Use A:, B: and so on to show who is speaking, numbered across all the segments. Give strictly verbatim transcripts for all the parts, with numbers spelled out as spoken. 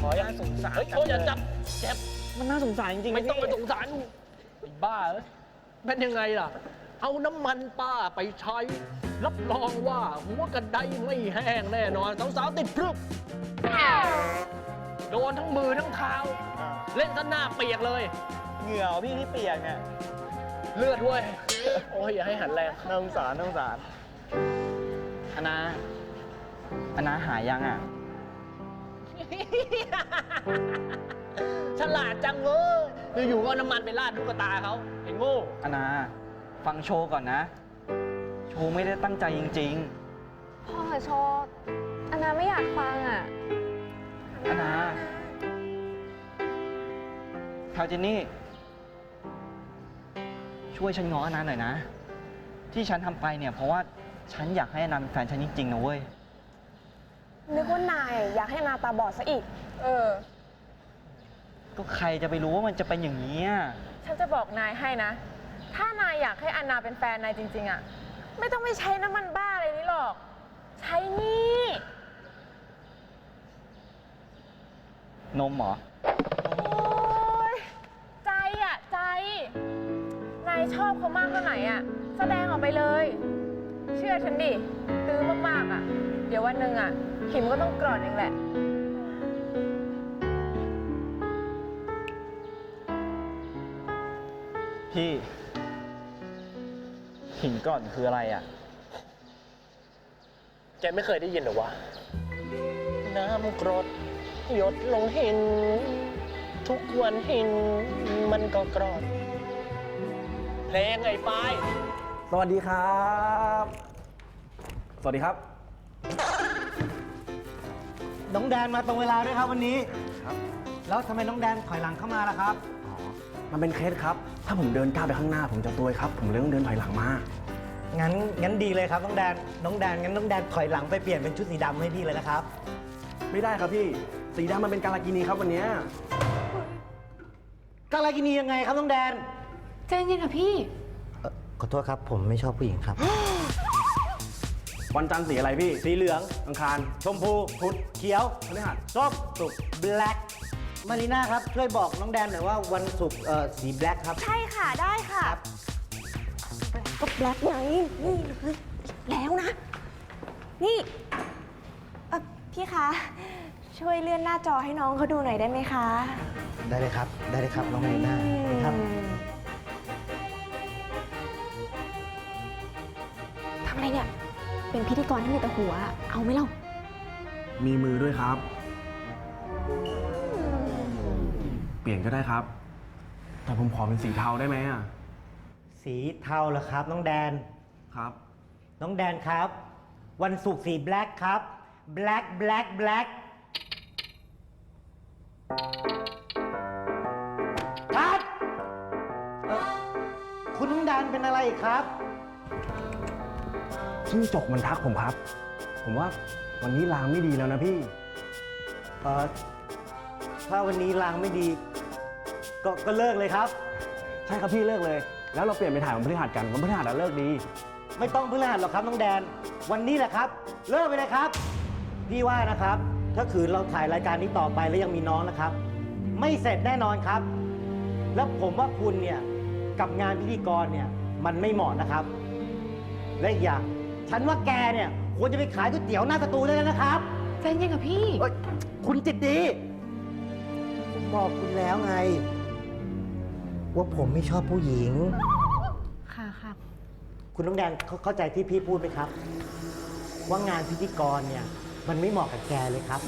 A: ออย่างสงสารเฮ้ยโอ้ยอย่าจับเจ็บมันน่าสงสารจริงๆไม่ต้องไปสงสารไอ้บ้าเอ้ยเป็นยังไงล่ะเอาน้ำมันป้าไปใช้รับรองว่าหัวกระไดไม่แห้งแน่นอนสาวๆติดพรึบโดนทั้งมือทั้งเท้าเล่นซะหน้าเปียกเลย
B: เหงื่อพี่ที่เปียกเนี่ย
A: เลือดด้วยโอ้ยอย่าให้หันแรง
B: น่าสงสารน่าสงสารอนาอนาหายยังอ่ะ
A: ฉลาดจังเว้ยอยู่ๆก็น้ำมันไปราดลูกตาเขาไอ้โง่
B: อนาฟังโชว์ก่อนนะ โชว์ไม่ได้ตั้งใจจริง
C: ๆพ่อโชว์อนาไม่อยากฟังอ่ะ
B: อนาคาวเจนนี่ช่วยฉันง้ออนาหน่อยนะที่ฉันทำไปเนี่ยเพราะว่าฉันอยากให้อนาเป็นแฟนฉันจริงๆนะเว้ย
C: นึกว่านายอยากให้อนาตาบอดซะอีกเออ
B: ก็ใครจะไปรู้ว่ามันจะเป็นอย่างนี้
D: ฉันจะบอกนายให้นะถ้านายอยากให้อนาเป็นแฟนนายจริงๆอ่ะไม่ต้องไปใช้น้ำมันบ้าอะไรนี้หรอกใช้นี่
B: นมเหรอ
D: โอ๊ยใจอ่ะใจนายชอบเขามากเท่าไหร่อ่ะแสดงออกไปเลยเชื่อฉันดิตื้อมากๆอ่ะเดี๋ยววันหนึ่งอ่ะขิมก็ต้องกร่อนเองแหละ
B: พี่หินก่อนคืออะไรอ่ะ
A: แกไม่เคยได้ยินหรอวะน้ำกรดหยดลงหินทุกวันหินมันก็กรอดเพลงไอ้ปาย
E: สวัสดีครับสวัสดีครับ
F: น้องแดนมาตรงเวลาด้วยครับวันนี้ครับแล้วทำไมน้องแดนถอยหลังเข้ามาล่ะครับ
E: อ๋อมันเป็นเคสครับถ้าผมเดินก้าวไปข้างหน้าผมจะตัวยครับผมเลยต้องเดินถอยหลังมา
F: งั้นงั้นดีเลยครับน้องแดนน้องแดนงั้นน้องแดนถอยหลังไปเปลี่ยนเป็นชุดสีดำให้พี่เลยนะครับ
E: ไม่ได้ครับพี่สีดำมันเป็นการากินีครับวันนี้
F: การากินียังไงครับน้องแดน
C: ใจเย็นค่ะพี่
F: ขอโทษครับผมไม่ชอบผู้หญิงครับ
E: วันจันทร์สีอะไรพี่
F: สีเหลือง
E: อังคาร
F: ชมพูพุธเขียว
E: พฤหัส
F: ส้มศุกร์แบล็กมารีน่าครับช่วยบอกน้องแดนหน่อยว่าวันศุกร์เอ่อสีแบล็กครับ
C: ใช่ค่ะได้ค่ะก็แบล็กไงนี่เลยแล้วนะนี่พี่คะช่วยเลื่อนหน้าจอให้น้องเขาดูหน่อยได้ไหมคะ
F: ได้เลยครับได้เลยครับน้องมารีน่าครับ
C: ทำอะไรเนี่ยเป็นพิธีกรที่มีแต่หัวเอาไหมเล่า
E: มีมือด้วยครับเปลี่ยนก็ได้ครับแต่ผมขอเป็นสีเทาได้ไหมอ่ะ
F: สีเทาเหรอครับน้องแดน
E: ครับ
F: น้องแดนครับวันศุกร์สีแบล็กครับแบล็กแบล็กแบล็กครับคุณน้องแดนเป็นอะไรครับ
E: จิ้งจกมันทักผมครับผมว่าวันนี้ลางไม่ดีแล้วนะพี่
F: เออถ้าวันนี้ลางไม่ดีก็ก็เลิกเลยครับ
E: ใช่ครับพี่เลิกเลยแล้วเราเปลี่ยนไปถ่ายวันพฤหัสกันวันพฤหัสเลิกดี
F: ไม่ต้องพฤหัสหรอกครับน้องแดนวันนี้แหละครับเลิกไปเลยครับพี่ว่านะครับถ้าขืนเราถ่ายรายการนี้ต่อไปแล้วยังมีน้องนะครับไม่เสร็จแน่นอนครับแล้วผมว่าคุณเนี่ยกับงานพิธีกรเนี่ยมันไม่เหมาะนะครับและอีกอย่างฉันว่าแกเนี่ยควรจะไปขายก๋วยเตี๋ยวหน้าสตูเลยนะครับ
C: ใจเย็นกับพี่
F: คุณจิตดีผมบอกคุณแล้วไงว่าผมไม่ชอบผู้หญิง
C: ค่ะค่ะ
F: คุณน้องแดนเข้าใจที่พี่พูดไหมครับว่างานพิธีกรเนี่ยมันไม่เหมาะกับแกเลยครับ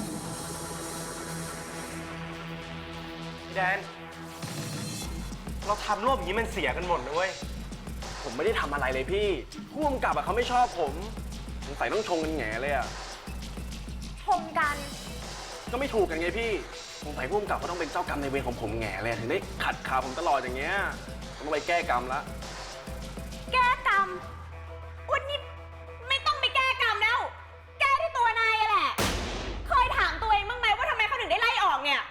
E: พี่แดนเราทำร่วมอย่างนี้มันเสียกันหมดนะเว้ยผมไม่ได้ทำอะไรเลยพี่ผู้กำกับอะเขาไม่ชอบผมสงสัยต้องชงกันแง่เลยอะ
C: ชงกัน
E: ก็ไม่ถูกกันไงพี่สงสัยผู้กำกับเขาต้องเป็นเจ้ากรรมในเวรของผมแง่เลยถึงได้ขัดขาผมตลอดอย่างเงี้ยต้องไปแก้กรรมละ
C: แก้กรรมวันนี้ไม่ต้องไปแก้กรรมแล้วแก้ที่ตัวนายแหละเคยถามตัวเองบ้างไหมว่าทำไมเขาถึงได้ไล่ออกเนี่ย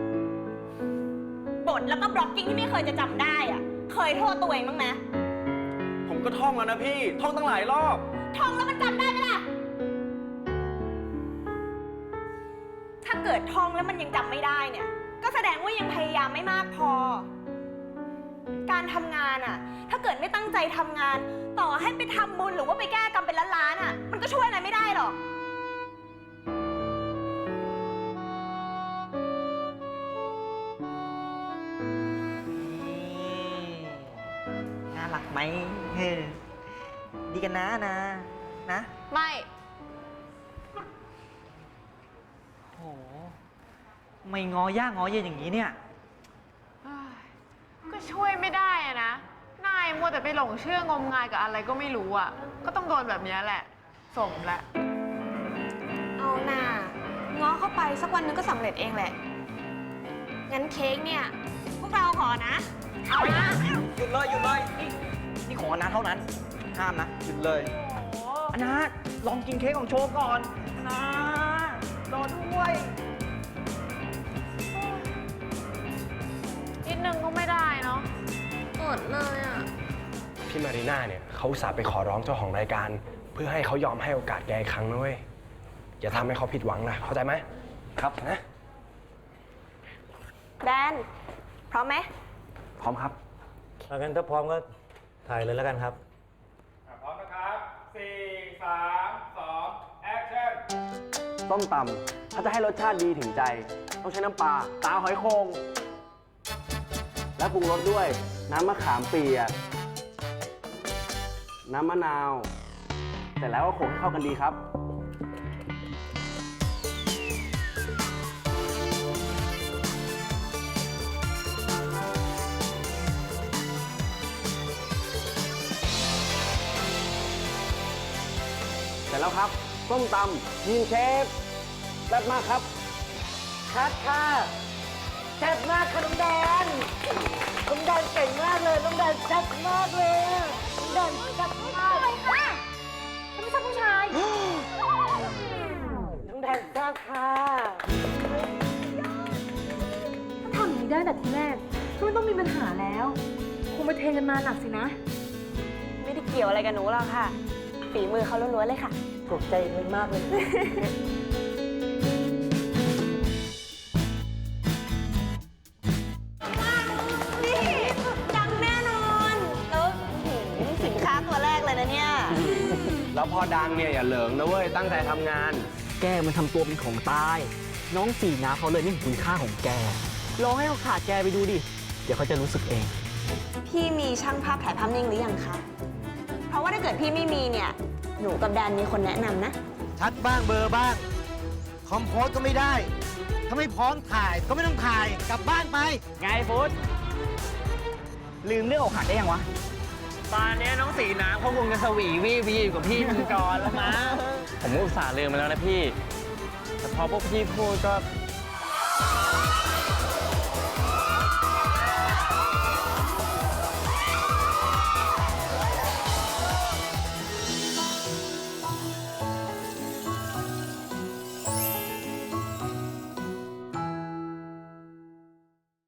C: บทแล้วก็บล็อกกิ้งที่ไม่เคยจะจำได้อะเคยโทษตัวเองบ้างไหม
E: ผมก็ท่องแล้วนะพี่ท่องตั้งหลายรอบ
C: ท่องแล้วมันจำได้ไหมล่ะถ้าเกิดท่องแล้วมันยังจำไม่ได้เนี่ย ก็แสดงว่ายังพยายามไม่มากพอ การทำงานอะถ้าเกิดไม่ตั้งใจทำงาน ต่อให้ไปทำบุญหรือว่าไปแก้กรรมเป็นล้านๆอะมันก็ช่วยอะไรไม่ได้หรอก
B: น่ารักไหมเฮ้ยดีกันนะนะ นะ
D: ไม่
B: โห ไม่งอย่างอเย็นอย่างนี้เนี่ย
D: ก็ช่วยไม่ได้อะนะ นายมัวแต่ไปหลงเชื่องมงายกับอะไรก็ไม่รู้อ่ะ ก็ต้องโดนแบบนี้แหละ สมแหละ
C: เอาหน่าง้อเข้าไปสักวันหนึงก็สำเร็จเองแหละ งั้นเค้กเนี่ย พวกเราขอนะ เอานะ
B: หยุดเลยหยุดเลย นี่นี่ของอนาเท่านั้น ห้ามนะ หยุดเลยอนาลองกินเค้กของโชว์ก่อนอนาโดนด้วย
D: นิดนึงก็ไม่ได้เนาะ
C: อดเลยอ่ะ
E: พี่มารีน่าเนี่ยเขาอุตส่าห์ไปขอร้องเจ้าของรายการ เพื่อให้เขายอมให้โอกาสแกอีกครั้งนะเว้ย อย่าทำให้เขาผิดหวังนะ เข้าใจไหม ครับนะ
C: แดน พร้อมไหม
E: พร้อมครับ
F: เอางั้นถ้าพร้อมก็ถ่ายเลยแล้วกันครับ
G: พร้อมนะครับสี่ สาม สอง แอคชั่น
E: ต้มตำถ้าจะให้รสชาติดีถึงใจ ต้องใช้น้ำปลา ตาหอยโคงและปรุงรสด้วย น้ำมะขามเปียก น้ำมะนาว เสร็จแล้วก็โขลกให้เข้ากันดีครับ เสร็จแล้วครับส้มตำยีนเชฟแซ่บมากครับ
F: คัดค่ะแซ่บมากค่ะน้องแดนน้องแดนเก่งมากเลย น้องแดนแซ่บมากเลยอะน้องแดนแซ่บมากเลยค่ะฉันไม่ใช่ผู้ชาย น้องแดนแซ่บค่ะ
H: ถ้าทำอย่างนี้ได้แต่ทีแรกก็ไม่ต้องมีปัญหาแล้ว คงไปเทกันมาหนักสินะ
C: ไม่ได้เกี่ยวอะไรกับหนูหรอกค่ะ ฝีมือเขาล้วนๆเลยค่ะ
F: ตกใจเลยมากเลย
C: นี่ดังแน่นอนแล้วหือสินค้าตัวแรกเลยนะเนี่ย
E: แล้วพอดังเนี่ยอย่าเหลิงนะเว้ย ตั้งใจทำงาน
B: แกมันทำตัวเป็นของตาย น้องสีนาเขาเลยไม่เห็นคุณค่าของแก ลองให้เขาขาดแกไปดูดิ เดี๋ยวเขาจะรู้สึกเอง
C: พี่มีช่างภาพถ่ายภาพนิ่งหรือยังคะ เพราะว่าถ้าเกิดพี่ไม่มีเนี่ย หนูกับแดนมีคนแนะนำนะ
F: ชัดบ้างเบอร์บ้าง คอมโพสก็ไม่ได้ ถ้าไม่พร้อมถ่ายก็ไม่ต้องถ่าย กลับบ้านไป
B: ไงฟุตลืมเรื่องอกหักได้ยังวะ
A: ตอนนี้น้องสีน้ำเขาคงจะสวีวี่วีอยู่กับพี่มังกรแล้วมั้ง
B: ผมก็อุตส่าห์ลืมไปแล้วนะพี่ แต่พอพวกพี่พูดก็